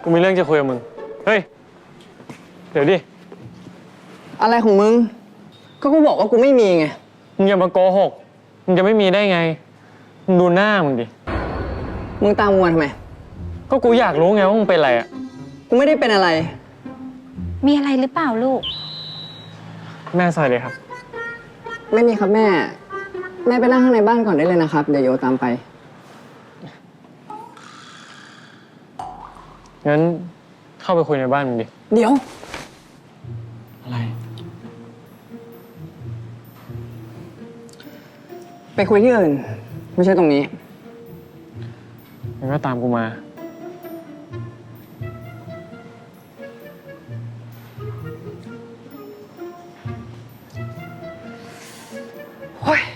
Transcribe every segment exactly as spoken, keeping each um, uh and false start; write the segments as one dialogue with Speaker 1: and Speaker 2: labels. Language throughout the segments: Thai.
Speaker 1: กูมีเรื่องจะคุยกับมึง เฮ้ย เดี๋ยวดิ
Speaker 2: อะไรของมึง ก็กูบอกว่ากูไม่มีไง
Speaker 1: มึงอย่ามาโกหก มึงจะไม่มีได้ไง มึงดูหน้ามึงดิ
Speaker 2: มึงตามกูมาทำไม
Speaker 1: ก็กูอยากรู้ไงว่ามึงเป็นอะไรอ่ะ
Speaker 2: กูไม่ได้เป็นอะไร
Speaker 3: มีอะไรหรือเปล่าลูก
Speaker 1: แม่ใส่เลยครับ
Speaker 2: ไม่มีครับแม่ แม่ไปนั่งข้างในบ้านก่อนได้เลยนะครับ เดี๋ยวโยตามไป
Speaker 1: งั้นเข้าไปคุยในบ้านมึงดิ
Speaker 2: เดี๋ยว
Speaker 1: อะไร
Speaker 2: ไปคุยที่อื่น ไม่ใช่ตรงนี้
Speaker 1: งั้นก็ตามกูมา
Speaker 2: เฮ้ย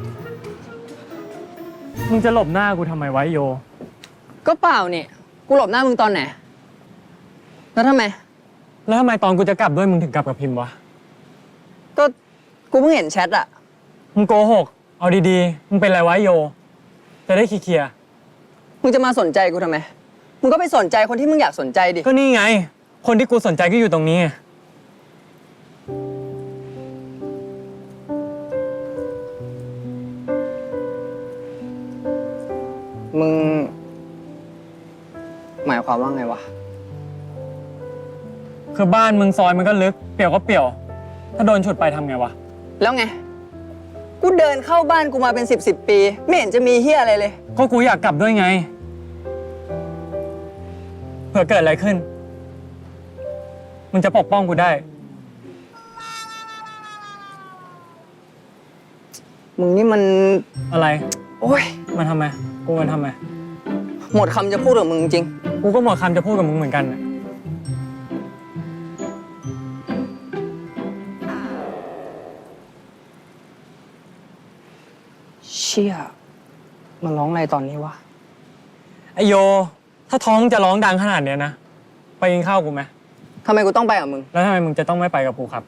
Speaker 4: มึงจะหลบหน้ากูทำไมไว้โย
Speaker 2: ก็เปล่านี่ กูหลบหน้ามึงตอนไหน แล้วทำไม
Speaker 1: แล้วทำไมตอนกูจะกลับด้วยมึงถึงกลับกับพิมพ์วะ
Speaker 2: ก็กูเพิ่งเห็นแชทอะ
Speaker 1: มึงโกหก เอาดีๆ มึงเป็นอะไรวะโย จะได้เคลียร์
Speaker 2: มึงจะมาสนใจกูทำไม มึงก็ไปสนใจคนที่มึงอยากสนใจดิ
Speaker 1: ๆก็นี่ไง คนที่กูสนใจก็อยู่ตรงนี้ไง
Speaker 2: มึง หมายความว่าไงวะ
Speaker 1: คือบ้านมึงซอยมันก็ลึก เปี่ยวก็เปี่ยว ถ้าโดนฉุดไปทำไงวะ
Speaker 2: แล้วไง กูเดินเข้าบ้านกูมาเป็นสิบสิบปี ไม่เห็นจะมีเฮียอะไรเลย
Speaker 1: ก็กูอยากกลับด้วยไง เผื่อเกิดอะไรขึ้น มึงจะปกป้องกูได้
Speaker 2: มึงนี่มัน
Speaker 1: อะไร
Speaker 2: โอ้ย
Speaker 1: มันทำไม กูมันทำไม
Speaker 2: หมดคำจะพูดกับมึงจริง
Speaker 1: กูก็หมดคำจะพูดกับมึงเหมือนกันน่ะ
Speaker 2: เชี่ยมันร้องอะไรตอนนี้วะ
Speaker 1: ไอโย ถ้าท้องจะร้องดังขนาดเนี้ยนะ ไปกินข้าวกูไหม
Speaker 2: ทำไมกูต้องไปกับมึง
Speaker 1: แล้วทำไมมึงจะต้องไม่ไปกับกูครับ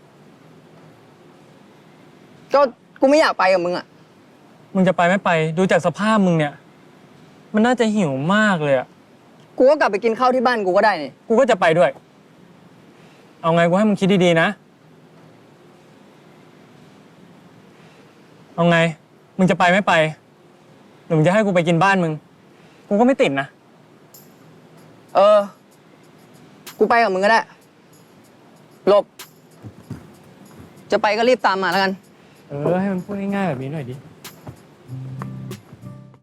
Speaker 2: ก็กูไม่อยากไปกับมึงอะ
Speaker 1: มึงจะไปไม่ไป ดูจากสภาพมึงเนี่ย มันน่าจะหิวมากเลยอะ
Speaker 2: กูก็กลับไปกินข้าวที่บ้านกูก็ได้นี่
Speaker 1: กูก็จะไปด้วย เอาไงกูให้มึงคิดดีๆนะ เอาไง มึงจะไปไม่ไปหรือมึงจะให้กูไปกินบ้านมึง กูก็ไม่ติดนะ
Speaker 2: เออ กูไปกับมึงก็ได้ หลบ จะไปก็รีบตามมาแล้วกัน
Speaker 1: เออ ให้มันพูดง่ายๆแบบนี้หน่อยดิ